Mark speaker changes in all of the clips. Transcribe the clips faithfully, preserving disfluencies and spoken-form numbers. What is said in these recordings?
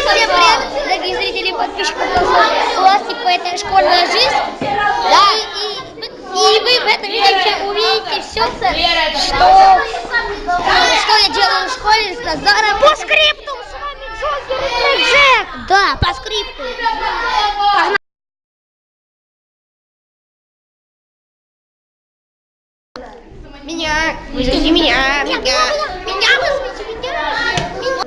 Speaker 1: привет, дорогие зрители и подписчики. У вас типа это школьная жизнь. Да. И, и, и вы в этом видео увидите все, что, что я делаю в школе с Назаром. По скрипту с вами Джокер и Джек. Да, по скрипту. Меня, вызовите меня, меня, меня вызовите, меня.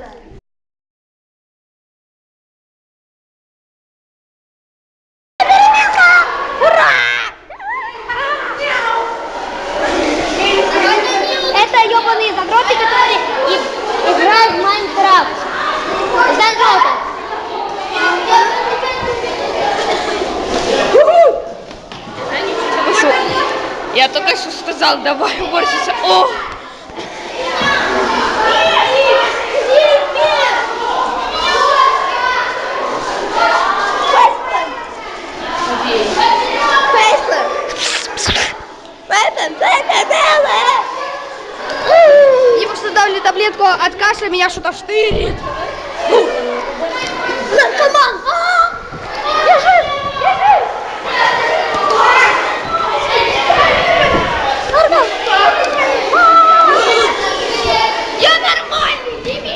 Speaker 1: Ура! Это ебаные задроты, которые играют в Майнкрафт. Задроты.
Speaker 2: Я только что сказал, давай уборщица. О!
Speaker 3: Мне просто дали таблетку от кашля, меня что-то штырит.
Speaker 1: Наркоман! Я жив! Я жив! Я нормальный, дебил!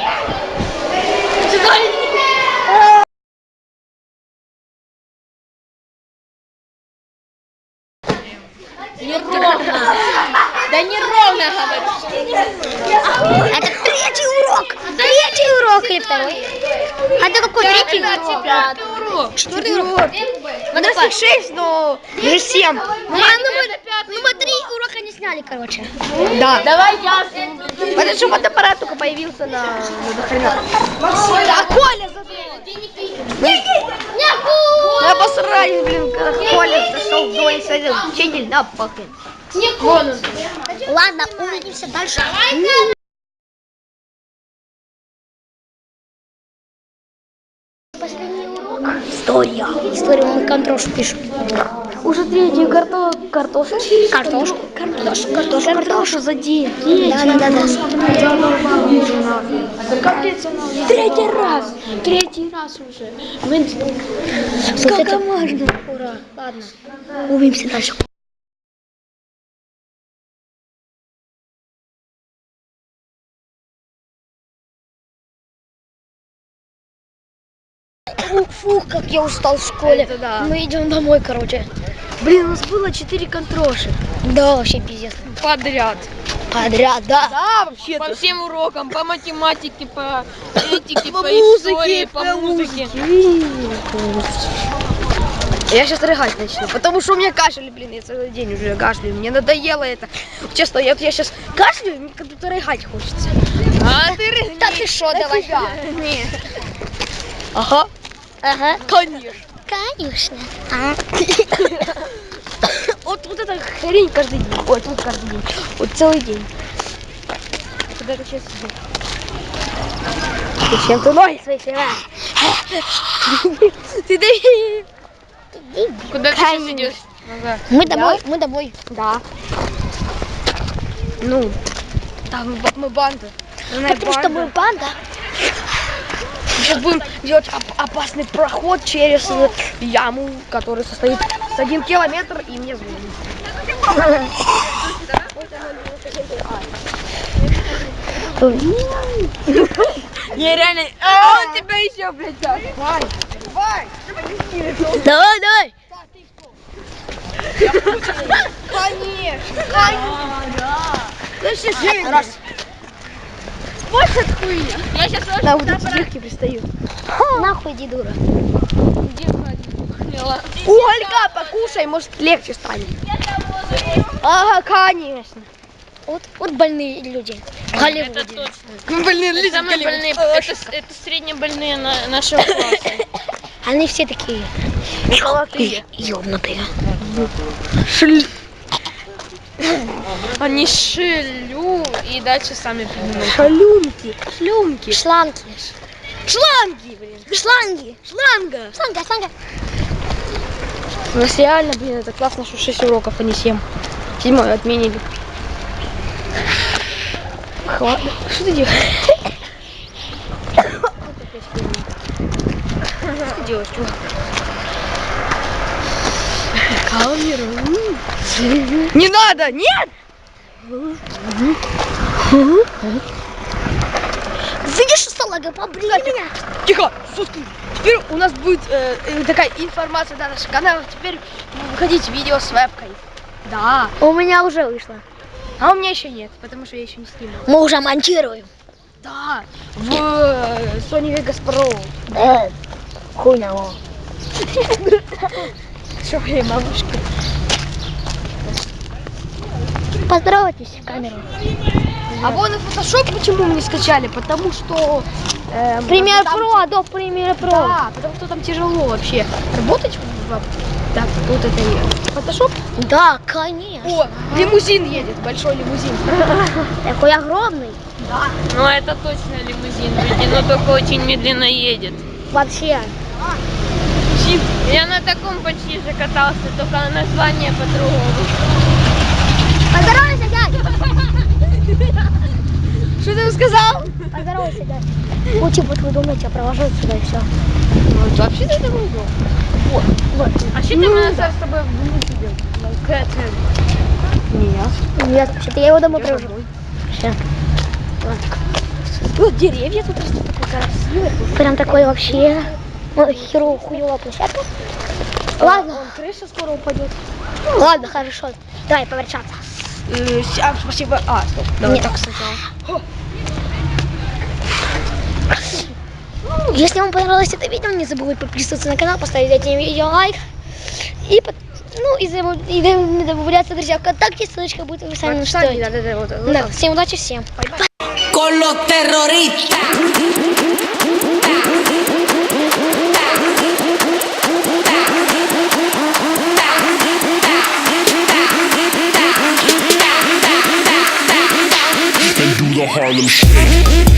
Speaker 2: Неровно. Да неровно, говорю.
Speaker 1: Это третий урок! Третий урок или второй? А это какой третий?
Speaker 2: Пятый урок.
Speaker 3: Четвертый урок. У нас их шесть, но уже семь.
Speaker 1: Ну, а, ну, мы, ну мы три урока не сняли, короче.
Speaker 3: Да.
Speaker 2: Давай я.
Speaker 3: Потому что фотоаппарат только появился на... А Коля Я посрать, блин, когда Коля зашел в дом, садил учитель на пахнет.
Speaker 1: Ладно, увидимся дальше. Последний урок. История. Историю мы контрошу пишем.
Speaker 3: Уже третий карто... картошку.
Speaker 1: Картошку. Картошку. Картошку.
Speaker 3: Картошу за день.
Speaker 1: Да, да, да, да.
Speaker 3: Третий раз. Третий раз уже.
Speaker 1: Сколько можно? Ура. Ладно. Увидимся дальше. Фух, как я устал в школе.
Speaker 3: Это да.
Speaker 1: Мы идем домой, короче.
Speaker 3: Блин, у нас было четыре контроши.
Speaker 1: Да, вообще пиздец.
Speaker 2: Подряд.
Speaker 1: Подряд, да.
Speaker 3: Да, вообще.
Speaker 2: По всем урокам, по математике, по этике, по,
Speaker 3: По
Speaker 2: истории,
Speaker 3: музыке,
Speaker 2: по
Speaker 3: по
Speaker 2: музыке.
Speaker 3: Я сейчас рыгать начну, потому что у меня кашель, блин, я целый день уже кашляю. Мне надоело это. Честно, я, я сейчас кашляю, мне как будто рыгать хочется.
Speaker 2: А ты рыгни.
Speaker 1: Да ты шо, давай.
Speaker 2: Нет.
Speaker 3: Ага.
Speaker 1: Ага.
Speaker 3: Конечно.
Speaker 1: Конечно. А.
Speaker 3: Вот, вот эта хрень каждый день. Ой, тут каждый день. Вот целый день. Куда ты сейчас идешь? Зачем ты ноги свои срываешь? Ты дай.
Speaker 2: Куда ты сейчас идешь? Ага.
Speaker 1: Мы домой, мы домой.
Speaker 3: Да. Ну, там б- мы банда. Она
Speaker 1: Потому что мы банда.
Speaker 3: Сейчас будем делать оп- опасный проход через э, яму, которая состоит с один километр, и мне звонит.
Speaker 2: Не, реально. А он тебя еще, блядь, даст.
Speaker 3: Давай, давай.
Speaker 1: Давай, давай.
Speaker 3: Конечно, конечно. Раз.
Speaker 2: Больше хуйня. Я сейчас
Speaker 3: Да, вот эти девки пристают.
Speaker 1: Нахуй, иди, дура.
Speaker 2: где ходила?
Speaker 3: Ольга, покушай, может легче станет. Ага, конечно.
Speaker 1: Вот, вот больные люди. В Голливуде.
Speaker 2: Это точно.
Speaker 3: Ну, блин,
Speaker 2: Это самые больные, это, это среднебольные на, нашего класса.
Speaker 1: Они все такие
Speaker 3: Золотые.
Speaker 1: ёбнутые.
Speaker 3: Шль.
Speaker 2: Они шилю и дальше сами придумают.
Speaker 3: Шалюнки. Шлюнки.
Speaker 1: Шланги.
Speaker 3: Шланги, блин.
Speaker 1: Шланги.
Speaker 3: Шланга.
Speaker 1: Шланга, шланга.
Speaker 3: У нас реально, блин, это классно, что шесть уроков, а не семь. Седьмой отменили. Хватит. Что ты делаешь? полностью. Камеру. Не надо, нет!
Speaker 1: Видишь, салага, побрили меня.
Speaker 3: Тихо, сутки. Теперь у нас будет э, э, такая информация на наш канал. Теперь выходить видео с вебкой. Да.
Speaker 1: У меня уже вышло.
Speaker 3: А у меня еще нет, потому что я еще не снимал.
Speaker 1: Мы уже монтируем.
Speaker 3: Да. В э, Sony Vegas Pro.
Speaker 1: Да. Хуйня.
Speaker 3: Что, эй, мамушка?
Speaker 1: Поздоровайтесь в камеру.
Speaker 3: А вон и Photoshop почему мы не скачали? Потому что... э,
Speaker 1: Пример
Speaker 3: там-
Speaker 1: Pro, Adobe Premiere Pro.
Speaker 3: Да, потому что там тяжело вообще работать. в- Так, вот это и Photoshop.
Speaker 1: Да, конечно.
Speaker 3: О, лимузин едет, большой лимузин.
Speaker 1: Такой огромный.
Speaker 2: Ну это точно лимузин, люди, но только очень медленно едет.
Speaker 1: Вообще.
Speaker 2: Я на таком почти же катался, только название по-другому.
Speaker 1: Поздоровайся, дядь.
Speaker 3: Что ты сказал?
Speaker 1: Поздоровайся, дядь. Ну, типа, вы думаете, я провожу сюда и все.
Speaker 3: Ну, вообще-то это было. Вот, вот.
Speaker 2: А что
Speaker 3: Ну,
Speaker 2: там у
Speaker 3: да.
Speaker 2: нас с тобой вместе делать?
Speaker 3: Нет.
Speaker 1: Нет, вообще-то я его дома
Speaker 3: Я
Speaker 1: провожу.
Speaker 3: домой.
Speaker 1: Все.
Speaker 3: Вот деревья тут растут такой красивый.
Speaker 1: Прям такой вообще ой, херово хуёвая площадка. Ладно,
Speaker 3: Вон, крыша скоро упадет.
Speaker 1: ладно, хорошо. Давай поверчаться.
Speaker 3: Э, с- а, спасибо. А, стоп. Давай
Speaker 1: Нет.
Speaker 3: так сначала.
Speaker 1: Если вам понравилось это видео, не забудьте подписываться на канал, поставить этим видео лайк. И, под- ну, и, забудь- и не добавляться, друзья, ВКонтакте, ссылочка будет в описании.
Speaker 3: Вот,
Speaker 1: что-
Speaker 3: кстати, да, да, да, вот, вот
Speaker 1: Да,
Speaker 3: так.
Speaker 1: всем удачи, всем.
Speaker 4: Con los terroristas.
Speaker 5: And do the Harlem Shake.